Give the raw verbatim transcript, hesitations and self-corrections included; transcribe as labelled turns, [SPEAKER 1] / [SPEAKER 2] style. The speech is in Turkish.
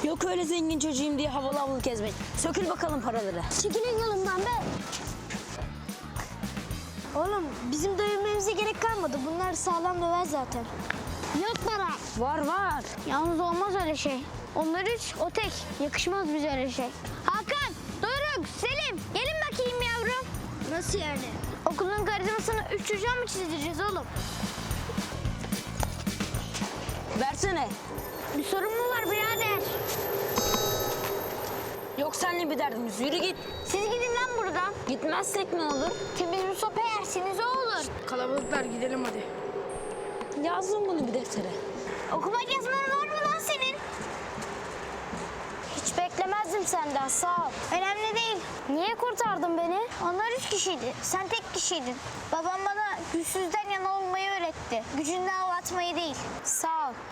[SPEAKER 1] Yok öyle zengin çocuğum diye havalı havalı gezmek. Sökül bakalım paraları.
[SPEAKER 2] Çekilin yolumdan be. Oğlum bizim dövmemize gerek kalmadı. Bunlar sağlam döver zaten. Yok para.
[SPEAKER 1] Var var.
[SPEAKER 2] Yalnız olmaz öyle şey. Onlar üç, o tek. Yakışmaz bize öyle şey. Hakan, Doruk, Selim. Gelin bakayım yavrum. Nasıl yani? Okulun karizmasını üç çocuğa mı çizdireceğiz oğlum?
[SPEAKER 1] Versene.
[SPEAKER 2] Bir sorun mu var birader?
[SPEAKER 1] Yok seninle bir derdimiz. Yürü git.
[SPEAKER 2] Siz gidin lan buradan.
[SPEAKER 1] Gitmezsek ne olur?
[SPEAKER 2] Temiz bir sopa yersiniz o olur.
[SPEAKER 3] Kalabalıklar gidelim hadi.
[SPEAKER 1] Yazdım bunu bir deftere.
[SPEAKER 2] Okumak yazman var mı lan senin? Hiç beklemezdim senden, sağ ol. Önemli değil. Niye kurtardın beni? Onlar üç kişiydi, sen tek kişiydin. Babam bana güçsüzden yana olmayı öğretti. Gücünden hava atmayı değil. Sağ ol.